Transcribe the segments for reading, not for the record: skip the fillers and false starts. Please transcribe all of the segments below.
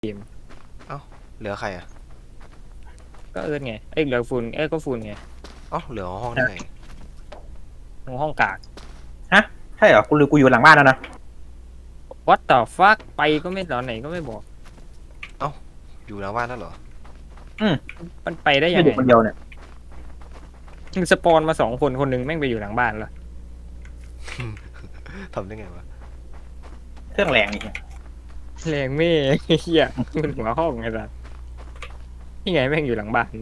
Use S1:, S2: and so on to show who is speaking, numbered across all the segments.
S1: เกม
S2: เอ้าเหลือใครอ่ะ
S1: ก็เอิร์ธไงเอ้ยเหลือฝุ่นก็ฝุ่นไง
S2: เอ้าเหลือห้องได้ไง
S1: ห้องกาก
S3: ฮะใช่เหรอกูอยู่หลังบ้านแล้วนะ
S1: what the fuck ไปก็ไม่ตอนไหนก็ไม่บอก
S2: อยู่หน้าบ้านแล้วเหรอ
S1: มันไปได้ยังไง
S3: ไม่เด็กคนเดียวเนี่ย
S1: มึงสปอนมา2 คนคนหนึงแม่งไปอยู่หลังบ้านแล้ว
S2: ทำได้ไงวะ
S3: เครื่องแรงนี่
S1: แรงไม่เฮียมันหัวห้องไงสัสนี่ไงแม่งอยู่หลังบ้าน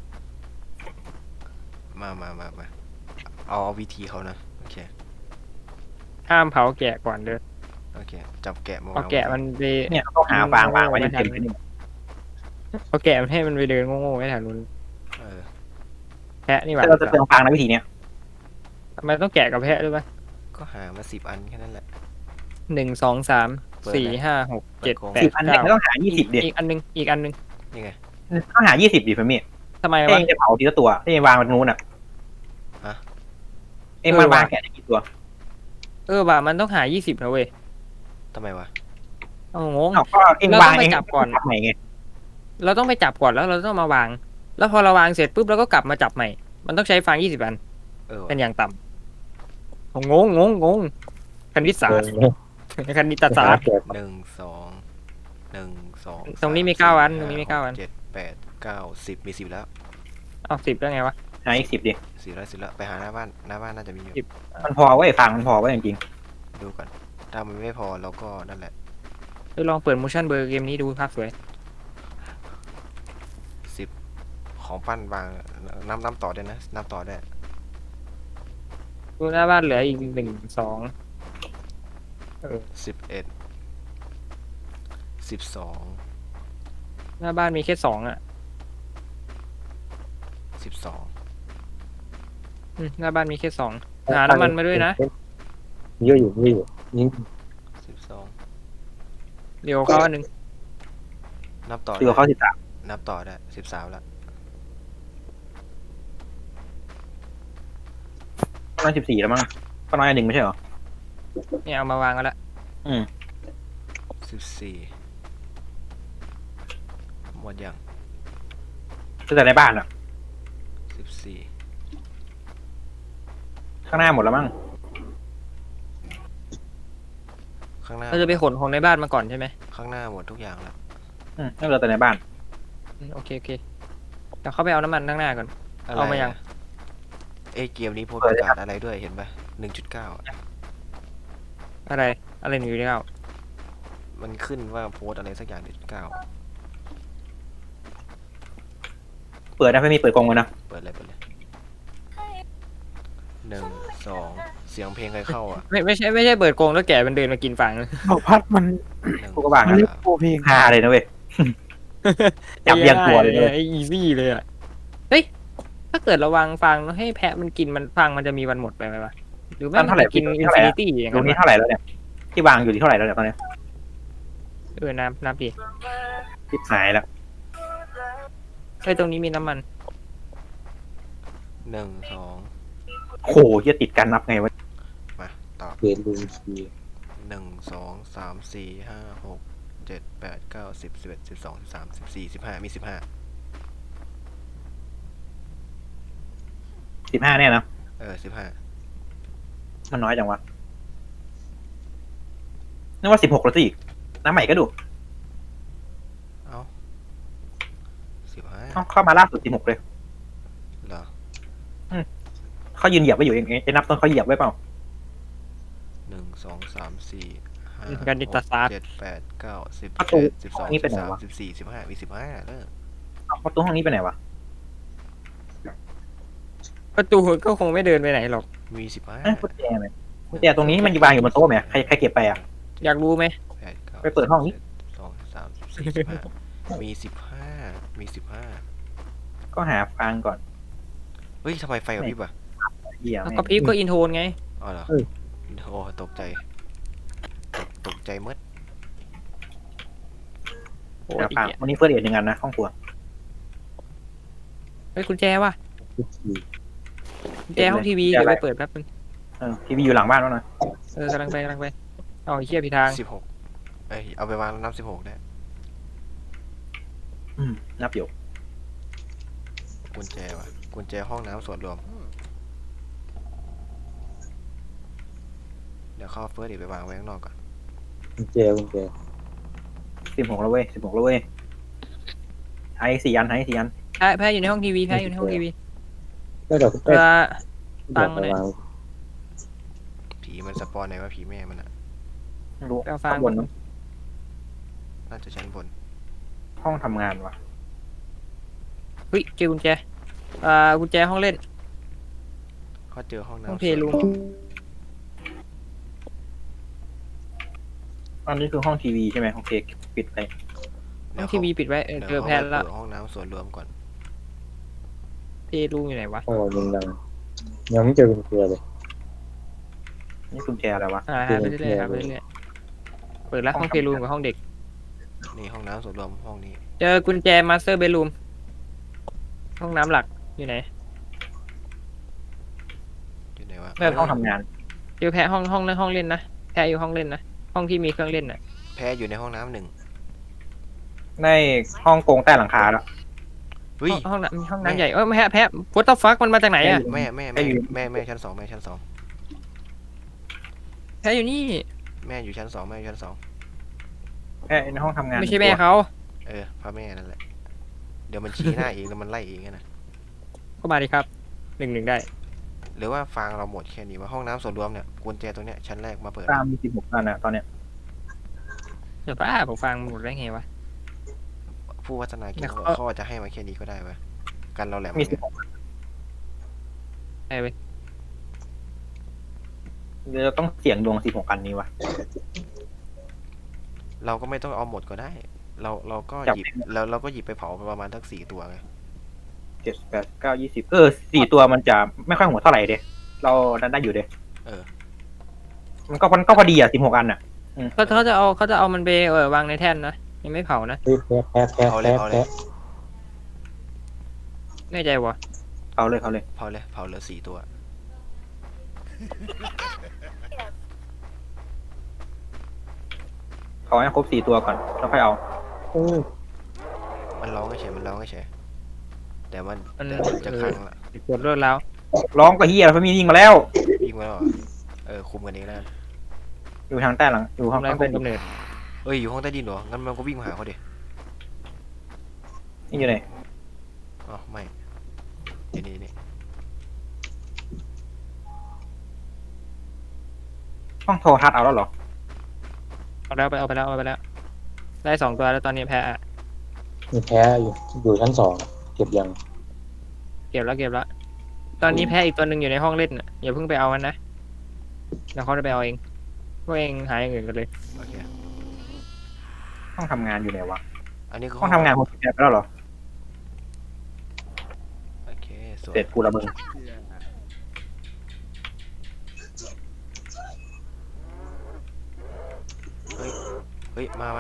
S2: มาเอาวิธีเขานะโอเค
S1: ห้ามเผาแกะก่อนเด้อ
S2: โอเคจับแกะมา
S1: เอา
S2: วาง
S1: แกะมันไป
S3: เนี่ยต้องหาวางไว้เต็มๆเลยนี่
S1: เอาแกะมันให้มันไปเดินโง่ๆไว้แถวนู้น
S2: เออ
S1: แพะนี่หว่า
S3: แต่เราจะเติมฟางในวิธีเนี้ย
S1: ทำไมต้องแกะกับแพะด้วยปะ
S2: ก็หามา10 อันแค่นั้นแหละ
S1: 1 2 3 4 5 6 7 8
S3: 10 อันเนี่ยไม่
S1: 9
S3: ต้องหา20ดิ
S1: อีกอันนึง
S2: นี่ไง
S3: ต้องหา20ดิเพื่อนมี่
S1: ทำไมวะ
S3: เองจะเผาทีละตัวเองวางมันนู้นอ่ะ
S2: ฮะ
S3: เองวางแกะได้กี่ตัว
S1: ว่ะมันต้องหา20นะเว้ย
S2: ทำไมวะ
S1: เอางง
S3: เอาก็เองวางเอง
S1: เราต้องไปจับก่อน
S3: จับใหม่ไง
S1: เราต้องไปจับก่อนแล้วเราต้องมาวาง แล้วพอเราวางเสร็จปุ๊บเราก็กลับมาจับใหม่ มันต้องใช้ฟาง20 อัน
S2: เออ
S1: เป็
S2: วะ
S1: นอย่างต่ำงงคณิตศาสตร์คณิตศาสตร์
S2: หนึ่งสองหนึ่งสอง
S1: ตรงนี้มี
S2: ส
S1: 9 อัน
S2: สี่
S1: ตรงนี้มี
S2: ห้า
S1: 9 อัน
S2: หก7 8 9 10มี10แล้ว
S1: เอา10ได้ไงวะ
S3: หาอีก10ดิ
S2: 10 แล้วไปหาหน้าบ้านน่าจะมีอยู่
S3: มันพอไว้ฟางมันพอไว้จริง
S2: ดูก่อนถ้ามันไม่พอเราก็นั่นแหละ
S1: ลองเปิด motion blur เกมนี้ดูภาพสวย
S2: 10ของปั้นวางน้ำต่อได้นะน้ำต่อได้
S1: ดูหน้าบ้านเหลืออีก1 2
S2: 11 12
S1: หน้าบ้านมีแค่2 อ่ะ
S2: 12
S1: หน้าบ้านมีแค่2หาน้ำมันมาด้วยนะ
S4: เยอะอยู่นี่
S2: 12
S1: เดี๋ยวเขาอันนึง
S2: นับต่อ
S3: ๆตัวเขา
S2: นับต่อได้13แล้ว
S3: ประมาณ14แล้วมั้งก็น้อยอันหนึ่งไม่ใช่เหรอ
S1: เนี่ยเอามาวางกันละ
S2: 14หมดยัง
S3: แต่ในบ้านอ่ะ
S2: 14
S3: ข้างหน้าหมดแล้วมั้ง
S2: ข้างหน้า
S1: เราจะไปขนของในบ้านมาก่อนใช่ไหม
S2: ข้างหน้าหมดทุกอย่างแล้ว
S3: ไม่เหลือแต่ในบ้าน
S1: โอเคเดี๋ยวเข้าไปเอาน้ำมันข้างหน้าก่อน เอามายัง
S2: เกมนี้โพสต์ประกาศอะไรด้วยเห็นปะ1.9
S1: อะไรหนูอยู่ในเอา
S2: มันขึ้นว่าโพสต์อะไรสักอย่าง1.9
S3: เปิดนะไม่มีเปิดกองเลยนะ
S2: เปิดเลย1 2เสียงเพลงใครเข้าอ่ะ
S1: ไม่ใช่เปิดโกงแล้วแกมันเดินมากินฝัง
S4: บอกพัดมัน
S3: กูก็วาง
S4: มัน
S3: นะ
S4: เรียกโปรเพลง
S3: ฮาเลยนะเว้ย จับเรียงตัวเลยเนี่ย
S1: ไอ้อีซี่เลยอ่ะเฮ้ยถ้าเกิดเราวางฟังแล้วให้แพะมันกินมันฟังมันจะมีวันหมดไปไหมวะหรือว่ามันจะกินอินฟินิตี้อย่าง
S3: ตร
S1: นั้
S3: ง
S1: น
S3: นี้
S1: วะ
S3: เท่าไหร่แล้วเนี่ยที่วางอยู่ที่เท่าไหร่แล้วเนี่ยตอนนี้
S1: นับดิ
S3: ทิพหายแล้ว
S1: ตรงนี้มีน้ำมัน
S2: 1 2
S3: โหจะติดกันนับไงวะ
S2: มาต่อ
S4: เปลี่ยนลุงที
S2: 1 2 3 4 5 6 7 8 9 10 11 12 13 14 15มี15
S3: 15เนี่ยนะ
S2: 15
S3: มันน้อยจังวะนึกว่า16แล้วสิน้ำใหม่ก็ดู
S2: เอ้า15
S3: เข้ามาล่าสุด16เลย
S2: เหรอ
S3: เขายืนเหยียบไว้อยู่เองไอ้นับต้นเขาเหยียบไว้เปล่า
S2: 1 2 3 4 5
S1: การดิตาศาสตร์
S2: 7 8 9 10
S3: ประตู
S2: 11 12
S3: นี่เป็นไหนวะ
S2: 13 14 15มี15เลิก
S3: ประตูห้องนี้ไปไหนวะ
S1: ประตูก็คงไม่เดินไปไหนหรอก
S2: มี
S3: กุญแจไหมกุญแจตรงนี้มันวางอยู่บนโต๊ะไหมใครเก็บไปอ่ะ
S1: อยากรู้ไหม
S2: 15
S3: ไปเปิดห้องนี้
S2: 2 3 4 15มี15
S3: ก็หาฟังก่อน
S2: เฮ้ยทำไมไฟกระพริบอ่ะ
S3: เหี้ย
S1: แล้ว
S3: แม่ง
S1: ก็พีฟก็อินโทนไง
S2: อ๋อเหรอโอ้ตกใจตกใจมืด
S1: โอ้
S3: หาฟัง
S1: ย
S3: วันนี้เฟิร์สเอ็ดหนึ่งอันนะห้องครัว
S1: เฮ้ยกุญแจว่ะ
S4: ทุกที
S1: กุญแจห้องทีวีเดี๋ยวไปเปิดแป๊บนึง
S3: ทีวีอยู่หลังบ้านแล้วนะ
S1: กำลังไปเอาไอ้เหี้ยผิดทาง
S2: 16เอาไปวางนับ16ได้
S3: นับอยู่
S2: กุญแจวะกุญแจห้องน้ำส่วนรวม เดี๋ยวเข้าเฟิร์สอีกไปวางไว้ข้างนอกก่อน
S4: กุญแจ
S3: 16แล้วเว้ย16แล้วเว้ยให้4 อันให้4 อัน
S1: แพ้อยู่ในห้องทีวีแพ้อยู่ในห้องทีวี
S4: แล้วเราก็
S1: เวลา ฟังเลย
S4: วาง
S2: ผีมันสปอนไหนวะผีแม่มันอะ
S3: ไม่รู้
S1: ไปเอาฟาง
S3: ข้างบนมั้ง
S2: น่าจะชั้นบน
S3: ห้องทำงานวะ
S1: เฮ้ยเจอกุญแจกุญแจห้องเล่น
S2: เขาเจอห้อง
S1: ห้อง
S2: น้ำ
S1: เพลย์รูม
S3: อันนี้คือห้องทีวีใช่ไหมโอเคปิดไป
S1: ห้องทีวีปิดไว้เจอแพ้แล้ว
S2: เดี๋ยเขาไปเปิดห้องน้ำส่วนรวมก่อน
S1: เพลย์รูมอยู่ไหนวะ
S4: ห้องเราดังยังไม่เจอกุญแจเลย
S3: นี่กุญแจอะไรวะ
S1: หาไปเรื่อยๆหาไปเรื่อยๆเปิดแล้วห้องเพลย์รูมกับห้องเด็ก
S2: นี่ห้องน้ำส่วนรวมห้องนี้
S1: เจอกุญแจมาสเตอร์เบดรูมห้องน้ำหลักอยู่ไหน
S2: อยู่ไหนวะ
S3: ห้องทำงาน
S1: เจอแพ้ห้องเล่นนะแพ้อยู่ห้องเล่นนะห้องที่มีเครื่องเล่นน่ะ
S2: แพ้อยู่ในห้องน้ำหนึ่ง
S3: ในห้องโกงใต้หลังคาแล้ว
S2: เฮ้ย
S1: ห้องน้ำใหญ่แพ้what the fuck มันมาจากไหนอะ
S2: แม่ชั้นสองแม่ชั้นสอง
S1: แพ้อยู่นี่
S2: แม่อยู่ชั้นสองแม่อยู่ชั้นสอง
S3: ในห้องทำงาน
S1: ไม่ใช่แม่เขา
S2: พระแม่นั่นแหละ เดี๋ยวมันชี้หน้าเองแล้วมันไล่เองนะ
S1: ก็มาดิครับ1-1ได้
S2: หรือว่าฟางเราหมดแค่นี้ว่าห้องน้ำส่วนรวมเนี่ยกุญแจตรงเนี้ยชั้นแรกมาเปิด
S3: ตามมี16 อันนะตอนเนี้ย
S1: เดี๋ยวป้าผมฟังหมดได้ไงวะ
S2: ผู้วัฒนาคิด
S1: แล้ว
S2: ว่า
S1: เขา
S2: เขาอาจจะให้มาแค่นี้ก็ได้วะกันเราแหลม
S3: มี
S2: เนี่ย
S1: ไอ้เว้ย
S3: 16เดี๋ยวเราต้องเสี่ยงดวง16 อันนี้วะ
S2: เราก็ไม่ต้องเอาหมดก็ได้ เราก็
S3: จับ
S2: หยิบแล้วเราก็หยิบไปเผาประมาณทั้ง4 ตัวไง
S3: 7 8 9 20 4 ตัวมันจะไม่ค่อยหัวเท่าไหร่เด้เราดันได้อยู่เด้
S2: เออ
S3: มันก็พอดีอ่ะ16 อันอ่ะ
S1: เขาจะเอามันไปวางในแท่นนะยังไม่เผานะ
S4: เฮ้ยแพ้
S2: เอาเลยเอาเลย
S1: แน่ใจวะ
S3: เอาเลย
S2: เผาเหลือ4 ตัว
S3: ขอให้ครบ4 ตัวก่อนแล้วค่อยเอา
S2: มันร้องเฉยแต่มันจะคลั่งละ
S1: ปวดรวดแล้ว
S3: ร้องก็เฮียเพราะมียิงมาแล้ว
S2: ยิงมาแล้วเหรอคุมกันเองแล้วกัน
S3: อยู่ทางใต้หลังอยู่ห้อง
S1: ทำลาย
S3: ใต้
S1: คุม
S3: ดิน
S1: กำเนิด
S2: อยู่ห้องใต้ดินเหรองั้นมันก็วิ่งมาหาเขาดิ
S3: นี่อยู่ไหน
S2: อ๋อไม่อยู่นี่
S3: ห้องโทรทัศน์เอาแล้วเหรอ
S1: เอาไปแล้วได้2 ตัวแล้วตอนนี้แพ้อะ
S4: มีแพ้อยู่ชั้น2เก็บยัง
S1: เก็บแล้วตอนนี้แพ้อีกตัวหนึ่งอยู่ในห้องเล่นน่ะอย่าเพิ่งไปเอามันนะเดี๋ยวเขาจะไปเอาเองพวกเองหาอย่างอื่นกันเลย
S2: โอเค
S3: ห้องทำงานอยู่ไหนวะ
S2: อันนี้คือ
S3: ห้องทำงานคนแก่ไปแล้วเหรอ
S2: โอเคสวย
S3: เสร็จกูละมึง
S2: เฮ้ยมา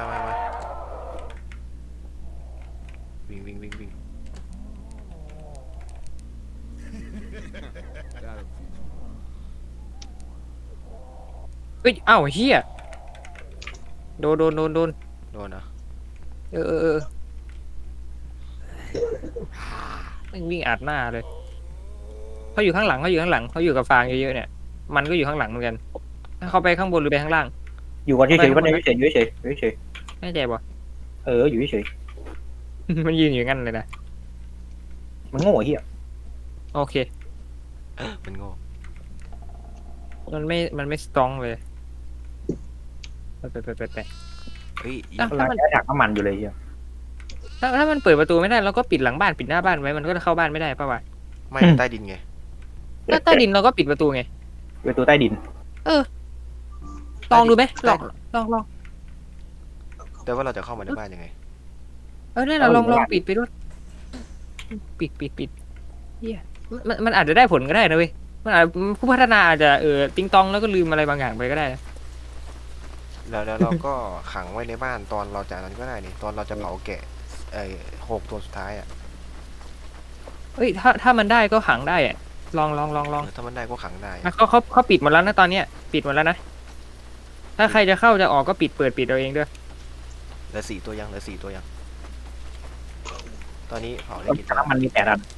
S2: วิ่ง
S1: เฮ้ยอ้าวเฮียโดน
S2: โดนนะ
S1: มันวิ่งอัดหน้าเลยเขาอยู่ข้างหลังเขาอยู่กับฟางเยอะๆเนี่ยมันก็อยู่ข้างหลังเหมือนกันถ้าเขาไปข้างบนหรือไปข้างล่าง
S3: อยู่กันเฉยๆวันนี้อยู่เฉย
S1: แน่ใจปะ
S3: อยู่เฉย
S1: มันยืนอยู่งั้นเลยนะ
S3: มันโง่เฮีย
S1: โอเค
S2: มันโง่
S1: มันไม่สตรองเลยไป
S2: เฮ้ย
S1: ถ้า
S3: กำลัง
S1: มัน
S3: แค่ถักน้ำมันอยู่เลยเฮีย
S1: ถ้ามันเปิดประตูไม่ได้เราก็ปิดหลังบ้านปิดหน้าบ้านไว้มันก็จะเข้าบ้านไม่ได้ป่าวะ
S2: ไม่ใต้ดินไง
S1: ถ้าใต้ดินเราก็ปิดประตูไง
S3: ประตูใต้ดิน
S1: ลองดูไหมลอง
S2: แต่ว่าเราจะเข้ามาในบ้านยังไง
S1: เนี่ยเราลองปิดไปด้วยปิดเฮียมันอาจจะได้ผลก็ได้นะเว้ยมันอาจผู้พัฒนาอาจจะติงตองแล้วก็ลืมอะไรบางอย่างไปก็ได้นะ
S2: แล้วเราก็ขังไว้ในบ้านตอนเราจากนั้นก็ได้นี่ตอนเราจะเผาแกะ6 ตัวสุดท้ายอ่ะ
S1: เฮ้ยถ้ามันได้ก็ขังได้อะลอง
S2: ถ้ามันได้ก็ขังได้
S1: เขาปิดหมดแล้วนะตอนเนี้ยปิดหมดแล้วนะถ้าใครจะเข้าจะออกก็ปิดเอาเองด้วย
S2: เหลือ4 ตัวยังตอนนี้เผาได้
S3: ตอน
S2: กี่
S3: นี้
S2: ตัว
S3: น้ำมันมี8 อัน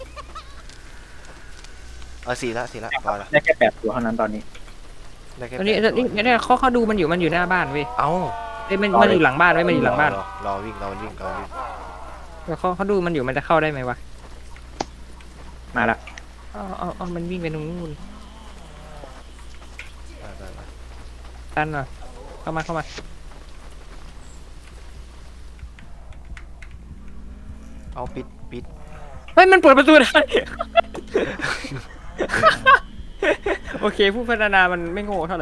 S2: สี่ละพอละ
S3: ได้แค่8 ตัวเท่านั้นตอนนี้
S2: ได้แค่
S1: ตอนนี้
S2: 8 ตัว
S1: เนี่ยเขาดูมันอยู่หน้าบ้านเว้ย
S2: เอ้า
S1: เอ้ยมันอยู่หลังบ้านเว้ยมันอยู่หลังบ้าน
S2: รอวิ่งรอวิ่ง
S1: แล้วเขาดูมันอยู่มันจะเข้าได้ไหมวะ
S3: มาละ
S1: เอามันวิ่งไปตรงนู้น
S2: ไป
S1: ตันหน่อยเข้ามา
S2: เอาปิด
S1: เฮ้ยมันเปิดประตูได้ โอเคผู้พัฒนามันไม่โง่เท่าไหร่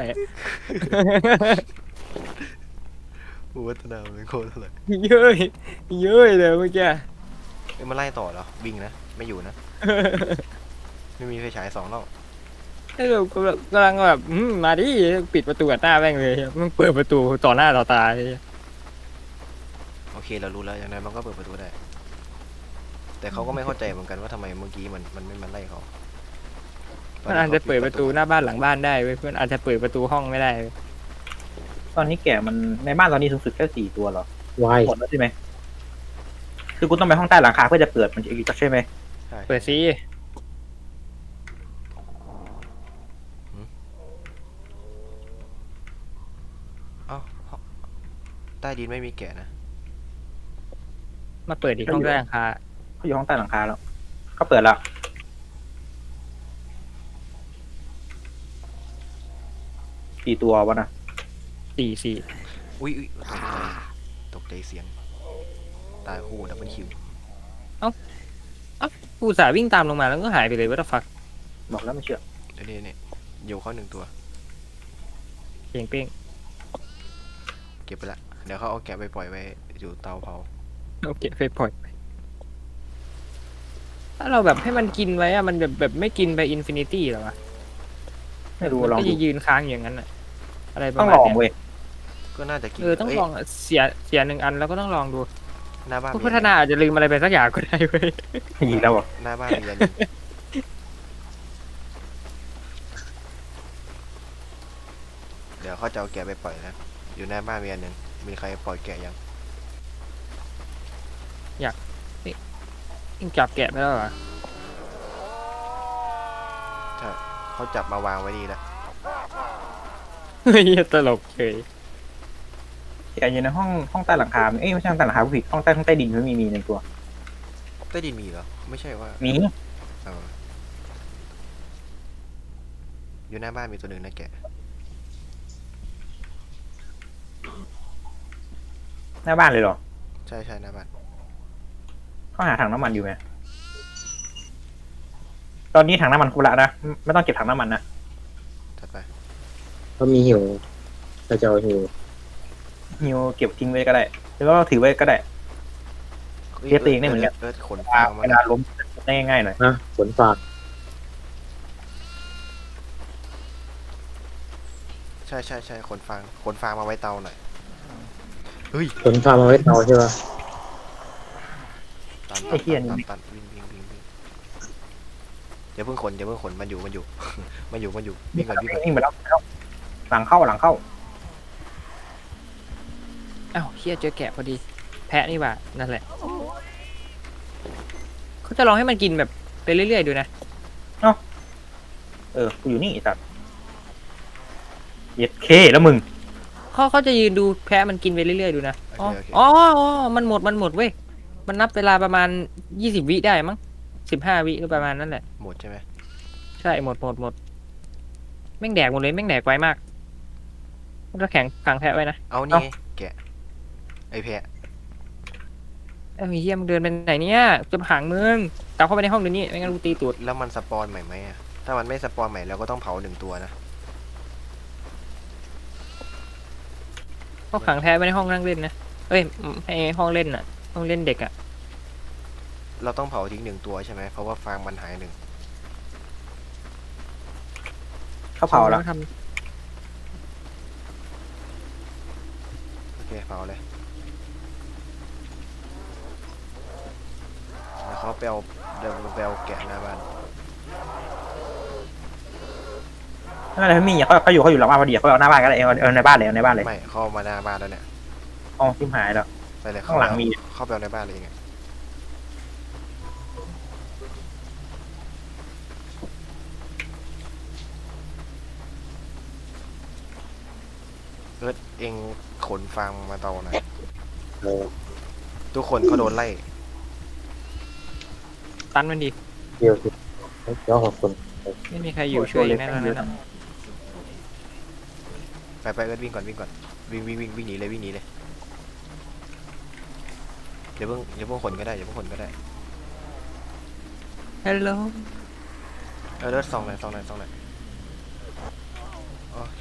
S2: ผู้พัฒนาเป็นโคตรเท่าไหร่
S1: เย้ยเลยเมื่อกี้
S2: เอ้ยมันไล่ต่อเหรอวิ่งนะไม่อยู่นะ ไม่มีไฟฉาย2แล้ว
S1: ให้เรากำลังแบบมาดิปิดประตูอัดหน้าแม่งเลยมันเปิดประตูต่อหน้าต่อตาเลย
S2: โอเคเรารู้แล้วอย่างไรมันก็เปิดประตูได้ แต่เขาก็ไม่เข้าใจเหมือนกันว่าทำไมเมื่อกี้มันไม่มาไล่เขา
S1: มันอาจจะเปิดประตูหน้าบ้านหลังบ้านได้เว้ยเพื่อนอาจจะเปิดประตูห้องไม่ได้เว้ย
S3: ตอนนี้แกะมันในบ้านตอนนี้สูงสุดแค่4 ตัวเหรอ
S4: วาย
S3: หมดแล้วใช่ไหมคือกูต้องไปห้องใต้หลังคาเพื่อจะเปิดมันอีกใช่ไหม
S2: ใช่
S1: เปิดซิ
S2: เอ้าใต้ดินไม่มีแกะนะ
S1: มาเปิดอีกห้องใต้หลังคา
S3: เขาอยู่ห้องใต้หลังคาแล้วเขาเปิดแล้วกี่ตัววะนะ
S1: สี่
S2: อุ้ยตกใจเสียงตายคู่ดับเบิลคิว
S1: ผู้สาห์วิ่งตามลงมาแล้วก็หายไปเลยว่าฟัก
S3: บอกแล้วไม่เชื่อ
S2: เดี๋ยวนี่อยู่เขา1 ตัว
S1: เพียงเป้ง
S2: เก็บไปละเดี๋ยวเขาเอาแกะไปปล่อยไว้อยู่เตาเผา
S1: โอเคไปปล่อยไปถ้าเราแบบให้มันกินไว้อะมันแบบไม่กินไปอินฟินิตี้หรอวะ
S3: ไม่รู้
S1: มัน
S3: ลอง
S1: ก็
S3: ดู
S1: จะยืนค้างอย่างนั้นอะอะไรประ
S3: ต้อง
S1: มาณ
S3: ลอง
S1: เนี้ย
S3: เว้ย
S2: ก็น่าจะกิน
S1: ต้องลองอะเสีย1 อันแล้วก็ต้องลองดู
S2: หน้าบ้าน
S1: ผู้พัฒนาอาจจะลืมอะไรไปสักอย่างก็ได้เว้ย
S3: อีกแล้วเหรอ
S2: หน้าบ้านมีอันเดี๋ยวเขาจะเอาแกะไปปล่อยนะอยู่หน้าบ้านมีอันหนึ่งมีใครปล่อยแกะยัง
S1: ยิ่งจับแกะไปแล้วเหรอ
S2: เขาจับมาวางไว้นี่แล้ว
S1: เฮ้ยตลกเฉย
S3: แกอยู่ในห้องใต้หลังคาเอ้ยไม่ใช่ห้องใต้หลังคาผู้ผิดห้องใต้ดินมันมี1 ตัว
S2: ใต้ดินมีเหรอไม่ใช่ว่า
S3: มี
S2: เอออยู่หน้าบ้านมีตัวหนึ่งนะแกะ
S3: หน้าบ้านเลยเหรอ
S2: ใช่หน้าบ้าน
S3: เขาหาถังน้ำมันอยู่ไหมตอนนี้ถังน้ำมันครบละนะไม่ต้องเก็บถังน้ำมันนะ
S2: ถัดไป
S4: ก็มีหิวก็จะเอาหิว
S3: ฮิวเก็บทิ้งไว้ก็ได้หรือว่าถือไว้ก็ได้ เรียกตัวเองได้เหมือนกัน
S2: ขนฟางมา
S3: เวลาล้มได้ง่ายๆหน่อย
S4: นะขนฟาง
S2: ใช่ขนฟางมาไว้เตาหน่อยเฮ้ย
S4: ขนฟางมาไว้เตาใช่ปะ
S2: ตันวิ่งอย่าเพิ่งขนมันอยู่ วิ่งก่อน
S3: วิ่งไปแล้วหลังเข้า
S1: อ้าวเฮียเจอแกะพอดี แพะนี่หว่านั่นแหละเขาจะลองให้มันกินแบบไปเรื่อยๆดูนะ
S3: กูอยู่นี่ไอ้สัตว์เย็ดเคแล้วมึง
S1: เขาจะยืนดูแพะมันกินไปเรื่อยๆดูนะ
S2: โอเค
S1: อ๋อมันหมดเว้ยมันนับเวลาประมาณ20 วิได้มั้ง15 วิก็ประมาณนั้นแหละ
S2: หมดใช่ไหม
S1: ใช่หมดแม่งแดกหมดเลยแม่งแดกไวมากก็แข็งขังแพะไว้นะ
S2: เอานี่แกะไอ้แพะ
S1: เอ้ยเฮียมึงเดินไปไหนเนี่ยจะขังมึงกลับเข้าไปในห้องเดี๋ยวนี้ไม่งั้นกูตีตูด
S2: แล้วมันสปอนใหม่ไหมอะถ้ามันไม่สปอนใหม่เราก็ต้องเผา1 ตัวนะ
S1: เขาขังแพะไว้ในห้องนั่งเล่นนะเอ้ยให้ห้องเล่นน่ะห้องเล่นเด็กอ่ะ
S2: เราต้องเผาทิ้ง1 ตัวใช่ไหมเพราะว่าฟางมันหาย1
S3: เขาเผาแล้ว
S1: ท
S2: โอเคเผาเลยแล้วเขาไปเอาแกะหน้าบ้าน
S3: นั่นแหละมีเขาอยู่หลังบ้านพอดีเขาเอาหน้าบ้านก็ได้เอาในบ้านเลย
S2: ไม่เข้ามาหน้าบ้านแล้วเนี่ย
S3: อ๋อทิมหายแล้ว
S2: ไปเลย
S3: ข้างหลังมี
S2: เข้าไปเอาในบ้านเลยไงเองขนฟางมาเตาหน่อย
S4: เออ
S2: ทุกคนเขาโดนไล่
S1: ตันมันดี
S4: เดียวสิเดี๋ยวขอบคุณ
S1: ไม่มีใครอยู่ช่วยแน่นอนนะ
S2: ไปเอิร์ธวิ่งก่อนวิ่งหนีเลยวิ่งหนีเลยเดี๋ยวเพิ่งขนก็ได้
S1: ฮัลโหล
S2: เอิร์ธส่องหน่อยโอเค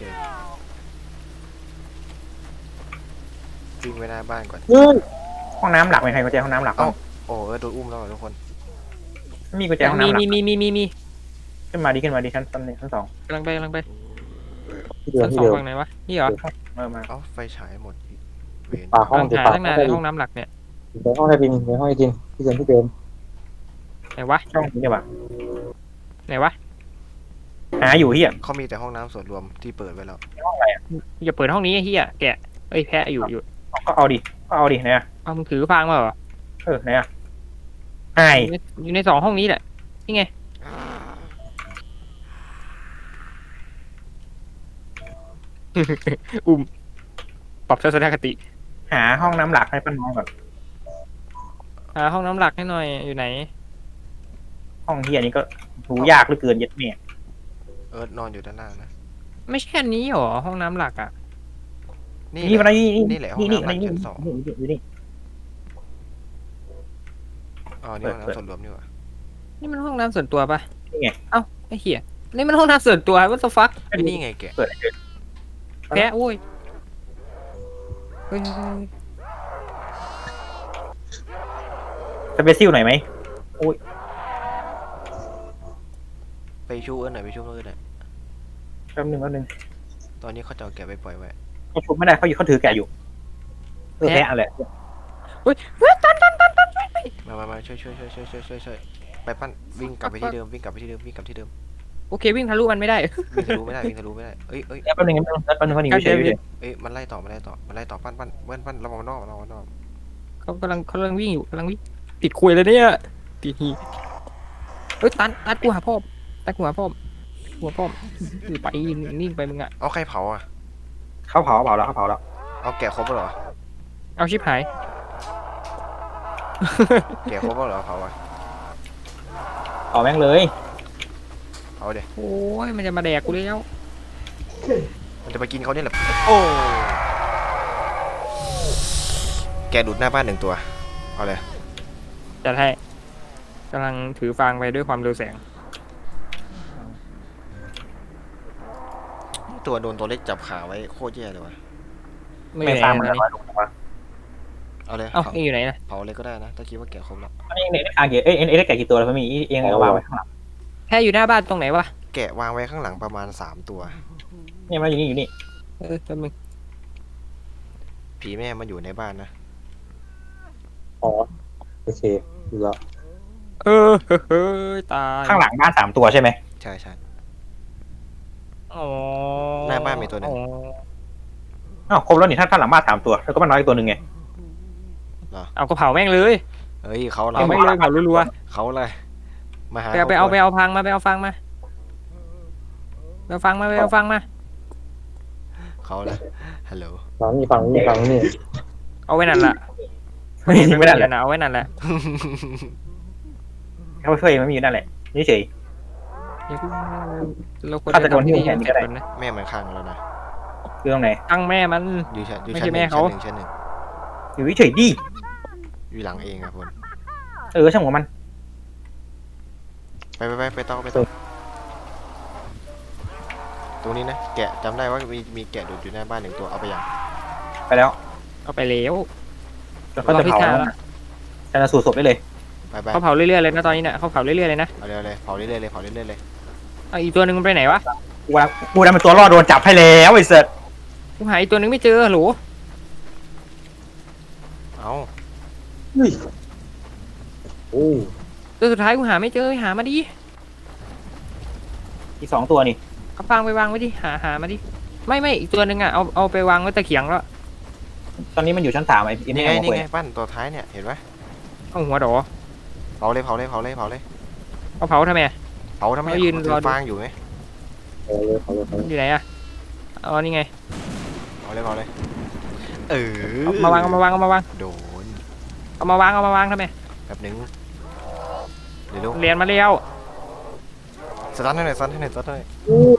S2: วิ่งไปหน้าบ้านก่อน
S4: เฮ้ย
S3: ห้องน้ำหลักไหมใครกุญแจห้องน้ำหลัก
S2: เอ้า โอ้เอิร์ธโดนอุ้มแล้วเหรอทุกคน
S3: ไม่มีกุญแจห้องน้ำหลัก
S1: มี
S3: ขึ้นมาดิชั้นหนึ่งชั้นสอง
S1: กำลังไป
S4: ที่เดิม
S1: ชั้น
S4: ที่
S1: สอง
S4: เดิม
S1: ฝั่งไหนวะนี่เหรอ
S3: มา
S2: เอ้าไฟฉายหมดอีกเวร
S4: ป่าห้อง
S1: กำลัง
S4: จะ
S1: หา
S4: ป่า
S1: ตั้ง
S4: ห้
S1: นา
S4: อน ง
S1: ใน
S4: ได้
S1: ห้องน้ำหลักเนี่ย
S4: ในห้องได้ดินในห้องได้ดินที่เดิมที่เดิม
S1: ไหนวะ
S3: ช่องนี้ใช่ปะ
S1: ไหนวะ
S3: หาอยู่เฮีย
S2: เขามีแต่ห้องน้ำส่วนรวมที่เปิดไว้แล้ว
S1: อย่าเปิดห้องนี้ไอ้เฮียแกะเอ้ยแพะอยู่
S3: ก็เอาดิไหนอะ
S1: เอามึงถือฟางมาเหรอ
S3: ไหนอะไอ้
S1: อยู่ในสองห้องนี้แหละนี่ไงปรับทัศนคติ
S3: หาห้องน้ำหลักให้ป้าน้องก่อน
S1: หาห้องน้ำหลักให้หน่อยอยู่ไหน
S3: ห้องเฮียนี้ก็ดูยากเหลือเกินยัดเมีย
S2: เอิร์ธนอนอยู่ด้านล่างนะ
S1: ไม่ใช่อันนี้หรอห้องน้ำหลักอ่ะ
S3: นี่มันนี่
S2: แหละห้องน้ำหลักชั้นสอง
S3: นี่
S2: อ๋อนี่ห้องน้ำส่วนรวมนี่หว่า
S1: นี่มันห้องน้ำส่วนตัวปะ
S3: นี่ไง
S1: เอ้าไอ้เหี้ยนี่มันห้องน้ำส่วนตัว what the fuck
S2: นี่ไงแกะ
S3: เปิด
S1: แพะโว้ยเฮ้ย
S3: สเปซิลหน่อยไหม
S2: ไปชูเอิร์ธหน่อย
S3: แป๊บนึง
S2: ตอนนี้เขาจะเอาแกะไปปล่อยไว้
S3: เขาชุบไม่ได้เขาถือแกะอยู่แกะอะไร
S1: เฮ้ยตัน
S2: มาช่วยไปปั้นวิ่งกลับไปที่เดิม
S1: โอเควิ่งทะลุมันไม่ได้
S2: วิ่งทะลุไม่ได้เอ้ย
S3: แป๊บนึงเขาหนีเฉยเลย
S2: เอ้ยมันไล่ต่อปั้นระวังนอก
S1: เขากำลังวิ่งอยู่กำลังวิ่งติดคุยเลยเนี่ยติดหีเฮ้ยตันกูหาพ่อไปนิ่งไปมึงอ่ะ
S2: เอาใครเผาอ่ะ
S3: เขาเผาแล้ว
S2: เอาแกะครบแล้วเหรอ
S1: เอาชิบหาย
S2: แกะครบแล้วเหรอเผาอ่ะ
S3: เอาแม่งเลย
S2: เอาเดี๋ยว
S1: โอ้ยมันจะมาแดกกูแล้ว
S2: มันจะไปกินเขาเนี่ยแหละโอ้แกะดูดหน้าบ้าน1 ตัวเอาเลย
S1: จะให้กำลังถือฟางไปด้วยความเร็วแสง
S2: ตัวโดนตัวเล็กจับขาไว้โคตรแย่เลยว่ะ
S3: ไม่ตามมัน
S1: เล
S3: เลย ย
S2: เอาเลย
S1: เอ้านี่อยู่ไหนนะ
S2: เผาเลยก็ได้นะถ้าคิดว่าแกะครบแล้ว
S3: อันนี้ได้แกะกี่ตัวแล้วพี่มีเองเอาวางไว้ข้างหลัง
S1: แค่อยู่หน้าบ้านตรงไหนวะ
S2: แกะวางไว้ข้างหลังประมาณ3 ตัว
S3: นี่มันอยู่นี่
S1: แป๊บนึง
S2: ผีแม่มันอยู่ในบ้านนะ
S4: อ๋อโอเคดูแล้ว
S1: เฮ้ยตาย
S3: ข้างหลังบ้าน3 ตัวใช่ไหม
S2: ใช่
S1: อ๋อ
S2: หน้าบ้านมีตัวหนึ่ง
S3: อ้าวครบแล้วนี่ถ้าหลังบ้าน3 ตัวแล้วก็มันน้อยอีกตัวหนึ่งไง
S1: เอากระเผาแม่งเลย
S2: เฮ้ยเขา
S1: เอาแม่งเลยเผารัว
S2: เขาเลยมาหา
S1: ๆไปเอาฟางมา
S2: เขาเลยฮัลโหล
S4: ฝั่งนี้
S1: เอาไว้นั่นแหละ
S3: ไม่ได้แหละ
S1: เอาไว้นั่นแหละ
S3: เขาช่วยมันมีอยู่นั่นแหละนี่เฉย
S1: เราควร
S3: ฆาตกรที่แขนก็ได้
S1: นะ
S2: แม่มันคังแล้วนะ
S3: คือตรงไหน
S1: ตั้งแม่มัน
S2: อยู่ชั้น
S1: ไม่ใช่แม่เขา
S2: ชั้นหนึ่ง
S3: อยู่เฉยดิ
S2: อยู่หลังเองอะพล
S3: ช่างหัวมัน
S2: ไปต่อตรงนี้นะแกะจำได้ว่ามีแกะดูดอยู่หน้าบ้าน1 ตัวเอาไปยัง
S3: ไปแล้ว
S1: เอาไปแล้ว
S3: เขาจะเผาชันสูตรศพได้เลย
S2: ไป
S1: เขาเผาเรื่อยๆเลยนะตอนนี้เนี่ยเขาเผาเรื่อยๆเลยนะ
S2: เอาเลยเผาเรื่อยๆเลย
S1: เอาอีกตัวหนึ่งมันไปไหนวะ
S3: กูได้เป็นตัวรอดโดนจับให้แล้วไอ้เสิร์ต
S1: กูหาอีกตัวหนึ่งไม่เจอหรอ
S2: เอา
S4: เฮ้ยโอ้
S1: ตัวสุดท้ายกูหาไม่เจอหามาดิ
S3: อีก2 ตัวนี่
S1: เอาฟางไปวางไว้ดิหามาดิไม่อีกตัวหนึ่งอ่ะเอาไปวางไว้ตะเขียงแล้ว
S3: ตอนนี้มันอยู่ชั้น3ไอ้
S2: นี่
S3: นี่
S2: ไงปั้นตัวท้ายเนี่ยเห็นไหม
S1: เอาหัวดอ
S2: เผาเลย
S1: เอาเผาทำไม
S2: เขายืน
S1: รอดู
S2: ฟางอยู่ไหม
S4: เอาเลย
S1: อยู่ไหนอ่ะอ๋อนี่ไง
S2: อ๋อเลยเออ
S1: เอามาวางเอามาวางเอามาวาง
S2: โดน
S1: เอามาวางเอามาวางทำไม
S2: แบบนึงเดี๋ยว
S1: เรียนมาเร็ว
S2: สตาร์ทให้หน่อยสตาร์ทให้หน่อยสตาร์ทให้หน่อย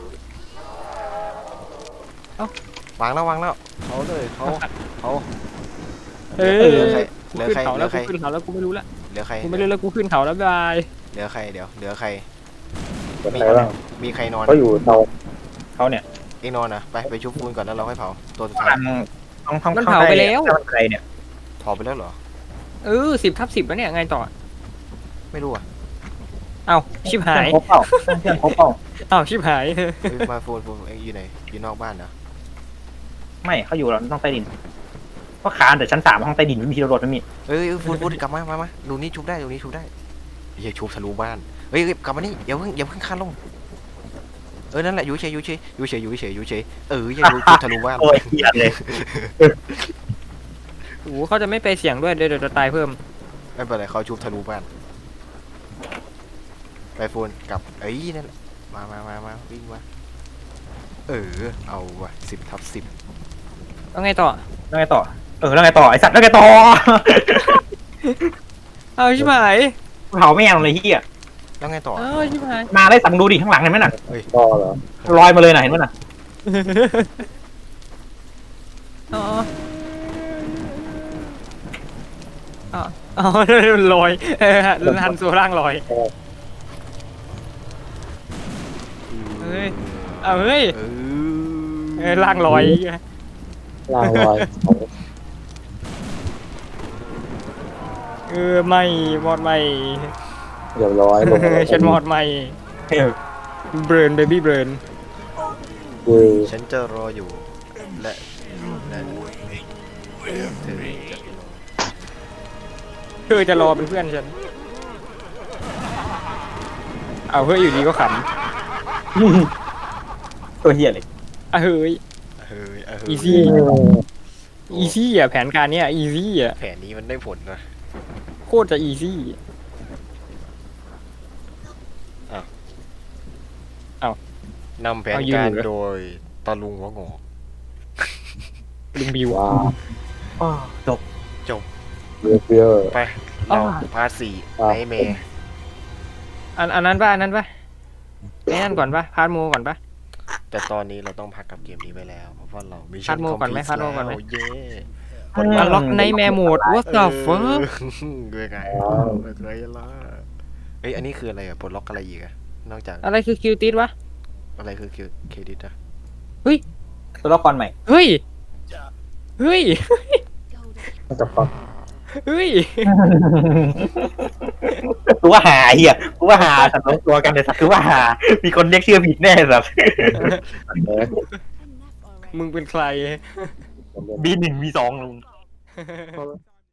S2: วางแล้วเขาเลยเขา
S1: เอ
S2: เหลื
S1: อ
S2: อใคร
S1: กู
S2: เหลือ
S1: ขึ้น
S2: ใคร
S1: เขา
S2: เหลื
S1: แล้
S2: อ
S1: ว
S2: ใคร
S1: กูขึ้นเขาแล้วกูไม่รู้ละ
S2: เหลือใคร
S1: กูไม่รู้แล้วกูขึ้นเขาแล้วบาย
S2: เหลือใครเดี๋ยวเหลือใคร
S4: เปิดใครบ้าง
S2: มีใครนอน
S4: เขาอยู่เตา
S3: เขาเนี่ย
S2: เองนอนนะไปชุบฟูนก่อนแล้วเราค่อยเผาตัวสุดท้าย
S3: ต้อง
S1: มันเผาไปแล้ว
S3: ใครเนี่ย
S2: เผาไปแล้วเหรอ
S1: 10/10แล้วเนี่ยไงต่อ
S2: ไม่รู้อ่ะ
S1: เอ้าชิบหาย
S3: เพื่อนครบเปล่าเพื่อนครบเปล่า
S1: เอ้าชิบหาย
S2: เฮ้ยมาฟูนเองอยู่ไหนอยู่นอกบ้านนะ
S3: ไม่เขาอยู่เราต้องใต้ดินก็คานแต่ชั้น 3ห้องใต้ดินไม่มีที่รถไม่มี
S2: เฮ้ยฟูนกลับมาดูนี่ชุบได้เฮียชุบทะลุบ้านเฮ้ยกลับมานี่อย่าเพิ่งคานลงนั่นแหละอยู่เฉยเอออย่าชุบทะลุบ้าน
S3: โอ้ยเหี้ยเลย
S1: โอ้โหเขาจะไม่ไปเสี่ยงด้วยเดี๋ยวจะตายเพิ่ม
S2: ไม่เป็นไรเขาชุบทะลุบ้านไปฟูนกลับนั่นแหละมาวิ่งมาเอาว่ะ10/10
S1: แล้วไงต่อ
S3: แล้วไงต่อแล้วไงต่อไอสัตว์แล้วไงต่อ
S1: เอ้าชิบหาย
S3: เผาไม่ยังเลยเฮีย
S2: แล้วไงต่อ
S1: เอ้าชิบหาย
S3: มาได้สั่งดูดิข้างหลังเห็นไหมน่ะ
S4: ต่อเหรอ
S3: ลอยมาเลยน่ะเห็นไหมน่ะ
S1: อ๋ออ๋อลอยหันโซล่างลอยเฮ้ยเอาเฮ้ยล่างลอย
S4: ล่างลอยเขา
S1: ไม่มอดไม่
S4: เรียบร้อยลงมา
S1: ฉันมอดไม่เบิร์นเบบี้เบิร์น
S4: เว้ย
S2: ฉันจะรออยู่และเธอจะรอ
S1: เธอจะรอเป็นเพื่อนฉันเอาเฮ้ยอยู่ดีก็ข
S3: ตัวเฮียเลย
S1: ำเฮ้ย อีซี่ อีซี่อ่ะแผนการเนี้ยอีซี่อ่ะ
S2: แผนนี้มันได้ผลนะ
S1: โคตรจะอีซี่
S2: นำแผนการโดยตาลุงหัวงอก
S1: ลุงบิว
S4: ว้า
S3: จบ
S4: เบียร์
S2: ไปเราพาร์ทสี่ไนเมย์
S1: อันนั้นป่ะไอ้นั่นก่อนป่ะพาร์ทโมก่อนป่ะ
S2: แต่ตอนนี้เราต้องพักกับเกมนี้ไปแล้วเพราะว่าเรามี
S1: พาร์ทโมก่อนไหมพาร์ทโมก่อนไหม
S2: เย้
S1: อันล็อกในแมร์โหมด what the fuck
S2: ด้วยไงไม่เคยละอันนี้คืออะไรอะปลดล็อกอะไรอีกอะนอกจาก
S1: อะไรคือคิวติสวะ
S2: อะไรคือเครดิตอะ
S3: ตัวละครใหม่
S1: เฮ้ย เฮ้ย
S4: น่าจะฟัง
S1: เฮ้ย
S3: กูว่าหาเฮียกูว่าหาสัตว์ตัวกันแต่สัตว์กูว่าหามีคนเรียกชื่อผิดแน่สัตว์
S1: มึงเป็นใคร
S3: B1 B2 ลุง